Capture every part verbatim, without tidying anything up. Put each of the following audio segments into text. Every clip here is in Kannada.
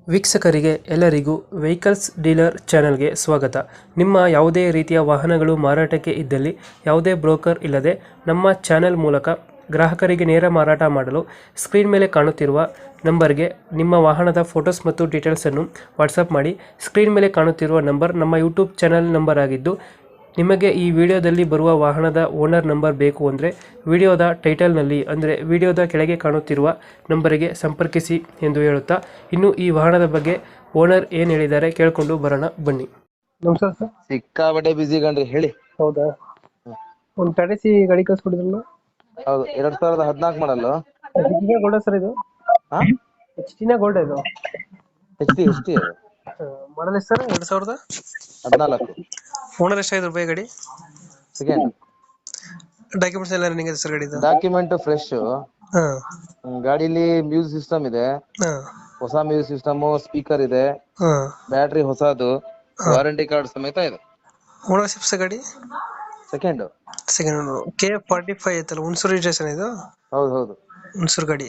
ವೀಕ್ಷಕರಿಗೆ ಎಲ್ಲರಿಗೂ ವೆಹಿಕಲ್ಸ್ ಡೀಲರ್ ಚಾನೆಲ್ಗೆ ಸ್ವಾಗತ. ನಿಮ್ಮ ಯಾವುದೇ ರೀತಿಯ ವಾಹನಗಳು ಮಾರಾಟಕ್ಕೆ ಇದ್ದಲ್ಲಿ ಯಾವುದೇ ಬ್ರೋಕರ್ ಇಲ್ಲದೆ ನಮ್ಮ ಚಾನೆಲ್ ಮೂಲಕ ಗ್ರಾಹಕರಿಗೆ ನೇರ ಮಾರಾಟ ಮಾಡಲು ಸ್ಕ್ರೀನ್ ಮೇಲೆ ಕಾಣುತ್ತಿರುವ ನಂಬರ್ಗೆ ನಿಮ್ಮ ವಾಹನದ ಫೋಟೋಸ್ ಮತ್ತು ಡೀಟೇಲ್ಸನ್ನು ವಾಟ್ಸಪ್ ಮಾಡಿ. ಸ್ಕ್ರೀನ್ ಮೇಲೆ ಕಾಣುತ್ತಿರುವ ನಂಬರ್ ನಮ್ಮ ಯೂಟ್ಯೂಬ್ ಚಾನೆಲ್ ನಂಬರ್ ಆಗಿದ್ದು, ನಿಮಗೆ ಈ ವಿಡಿಯೋದಲ್ಲಿ ಬರುವ ವಾಹನದ ಓನರ್ ನಂಬರ್ ಬೇಕು ಅಂದರೆ ವಿಡಿಯೋದ ಟೈಟಲ್ನಲ್ಲಿ ಅಂದರೆ ವಿಡಿಯೋದ ಕೆಳಗೆ ಕಾಣುತ್ತಿರುವ ನಂಬರಿಗೆ ಸಂಪರ್ಕಿಸಿ ಎಂದು ಹೇಳುತ್ತಾ, ಇನ್ನು ಈ ವಾಹನದ ಬಗ್ಗೆ ಓನರ್ ಏನು ಹೇಳಿದ್ದಾರೆ ಕೇಳಿಕೊಂಡು ಬರೋಣ ಬನ್ನಿ. ನಮಸ್ಕಾರ ಸರ್. ಸಿಕ್ಕಾಪಟ್ಟೆ ಬಿಸಿ ಗಂಡ್ರಿ, ಹೇಳಿ. ಹೌದಾ, ಒಂದು ಟಾಟಾ ಸಿ ಗಾಡಿ ಕಳ್ಸ್ಕೊಡಿದ್ರಲ್ಲ? ಹೌದು, ಎರಡ್ ಸಾವಿರದ ಹದಿನಾಲ್ಕು ಮಾಡಲು. ಗೋಲ್ಡ್ ಸರ್ ಇದು? ಹಾ, ಎಚ್ ಟಿನ ಗೋಲ್ಡ್ ಇದು? H T H T model ಎಷ್ಟು ಸರ್? ಎರಡು ಸಾವಿರದ ಹದಿನಾಲ್ಕು. ಓನರ್ ಎಷ್ಟಾಯ್ತು ರೂಪಾಯಿ ಗಾಡಿ? ಸೆಕೆಂಡ್. ಡಾಕ್ಯುಮೆಂಟ್ಸ್ ಎಲ್ಲ ರನ್ನಿಂಗ್ ಇದೆ ಸರ್ ಗಾಡಿದು? Document fresh. ಹಾ, ಗಾಡಿಲಿ ಮ್ಯೂಸಿಕ್ ಸಿಸ್ಟಮ್ ಇದೆ, ಹಾ, ಹೊಸ ಮ್ಯೂಸಿಕ್ ಸಿಸ್ಟಮ್, ಸ್ಪೀಕರ್ ಇದೆ, ಹಾ. ಬ್ಯಾಟ್ರಿ ಹೊಸದು, ವಾರಂಟಿ ಕಾರ್ಡ್ ಸಮೇತ ಇದೆ. ಓನರ್ಶಿಪ್ ಸರ್ ಗಾಡಿ? Second. Second. K forty five ಐತಲ್ಲ, ಹುಣಸೂರು ರಿಜಿಸ್ಟ್ರೇಷನ್ ಇದು? ಹೌದು ಹೌದು, ಹುಣಸೂರು ಗಾಡಿ.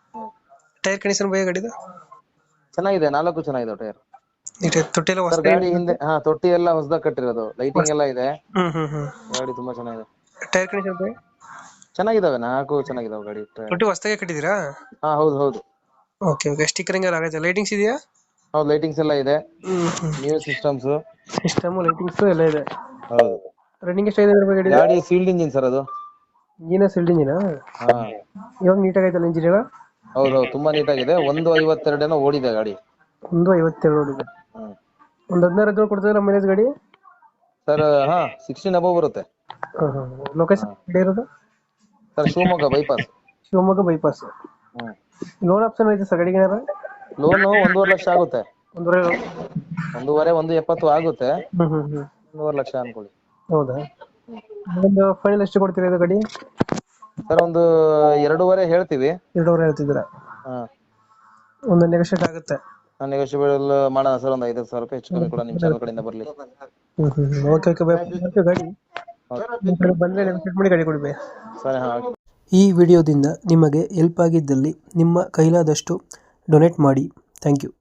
ಟೈರ್ ಕಂಡೀಷನ್ ಬೈ ಗಾಡಿದು? ಚೆನ್ನಾಗಿದೆ, ನಾಲ್ಕು ಚೆನ್ನಾಗಿದೆ ಟೈರ್. ತೊಟ್ಟಿ ಎಲ್ಲ ಸರ್ ಗಾಡಿ ಹಿಂದೆ ಹಾ ತೊಟ್ಟಿ ಎಲ್ಲ ಹೊಸದಾಗಿ ಕಟ್ಟಿರೋದು, ಲೈಟಿಂಗ್ ಎಲ್ಲ ಇದೆ. ಹ್ಮ್ ಹ್ಮ್ ಹ್ಮ್. ಗಾಡಿ ತುಂಬಾ ಚೆನ್ನಾಗಿದೆ. ಟೈರ್ ಕಂಡೀಷನ್ ಬೈ ಚೆನ್ನಾಗಿದಾವೆ, ನಾಲ್ಕು ಚೆನ್ನಾಗಿದಾವೆ ಗಾಡಿ. ತೊಟ್ಟಿ ಹೊಸದಾಗಿ ಕಟ್ಟಿದ್ದೀರಾ? ಹಾ ಹೌದು ಹೌದು. Okay okay. ಸ್ಟಿಕರಿಂಗ್ ಎಲ್ಲ ಆಗೈತೆ? ಲೈಟಿಂಗ್ಸ್ ಇದೆಯಾ? ಹೌದು, ಲೈಟಿಂಗ್ಸ್ ಎಲ್ಲ ಇದೆ, ನ್ಯೂ ಸಿಸ್ಟಮ್ಸ್, ಸಿಸ್ಟಮ್, ಲೈಟಿಂಗ್ಸ್ ಎಲ್ಲ ಇದೆ. ಹೌದು. ರನ್ನಿಂಗ್ ಎಷ್ಟಾಗಿದೆ ಗಾಡಿ? ಗಾಡಿ ಸೀಲ್ಡ್ ಇಂಜಿನ್ ಸರ್ ಅದು. ಇಂಜಿನ ಸೀಲ್ಡ್ ಇಂಜಿನ? ಹಾ, ಇವಾಗ ನೀಟಾಗಿ ಐತಲ್ಲ ಇಂಜಿನ್? ಹೌದು ಹೌದು, ತುಂಬಾ ನೀಟಾಗಿದೆ. ಒಂದು ಐವತ್ತೆರಡೇನೋ ಓಡಿದೆ ಗಾಡಿ. ಒಂದು ಐವತ್ತೆರಡು ಓಡಿದೆ. ಒಂದು ಹದಿನಾರು ಹದಿನೇಳು ಕೊಡ್ತದೆ ಮೈಲೇಜ್ ಗಾಡಿ ಸರ್? ಹಾ, ಸಿಕ್ಸ್ಟೀನ್ ಅಬೌವ್ ಬರುತ್ತೆ. ಲೊಕೇಶನ್ ಇರೋದು sir Shivamogga bypass. Shivamogga bypass. Loan option ಐತೆ ಸರ್ ಗಾಡಿಗೆ? ಲೋನು ಒಂದೂವರೆ ಲಕ್ಷ ಆಗುತ್ತೆ. ಒಂದೂವರೆ ಒಂದೂವರೆ ಒಂದು ಎಪ್ಪತ್ತು ಆಗುತ್ತೆ. ಹ್ಮ್ ಹ್ಮ್ ಹ್ಮ್. ಒಂದೂವರೆ ಲಕ್ಷ ಅನ್ಕೊಳ್ಳಿ. ಹೌದಾ? ಒಂದು ಫೈನಲ್ ಎಷ್ಟು ಕೊಡ್ತೀರಾ ಇದು ಗಾಡಿ? ಸರ್ ಒಂದು ಎರಡೂವರೆ ಹೇಳ್ತೀವಿ. ಎರಡೂವರೆ ಹೇಳ್ತಿದ್ದೀರಾ? ಹಾ, ಒಂದು ನೆಗೋಷಿಯೇಟ್ ಆಗುತ್ತೆ. ನೆಗೋಷಿಯಬಲ್ ಮಾಡೋಣ ಸರ್, ಒಂದು ಐದು ಸಾವಿರ ರೂಪಾಯಿ ಹೆಚ್ಚು ಕಮ್ಮಿ ಕೂಡ ನಿಮ್ ಚಾನಲ್ ಕಡೆಯಿಂದ ಬರ್ಲಿ. Hmm hmm. Okay okay. ಗಾಡಿ ಬಂದ್ರೆ ನೆಗೋಷಿಯೇಟ್ ಮಾಡಿ ಗಾಡಿ ಕೊಡಿ. ಸರಿ, ಹಾ. ಈ ವಿಡಿಯೋದಿಂದ ನಿಮಗೆ ಹೆಲ್ಪ್ ಆಗಿದ್ದಲ್ಲಿ ನಿಮ್ಮ ಕೈಲಾದಷ್ಟು ಡೊನೇಟ್ ಮಾಡಿ. Thank you.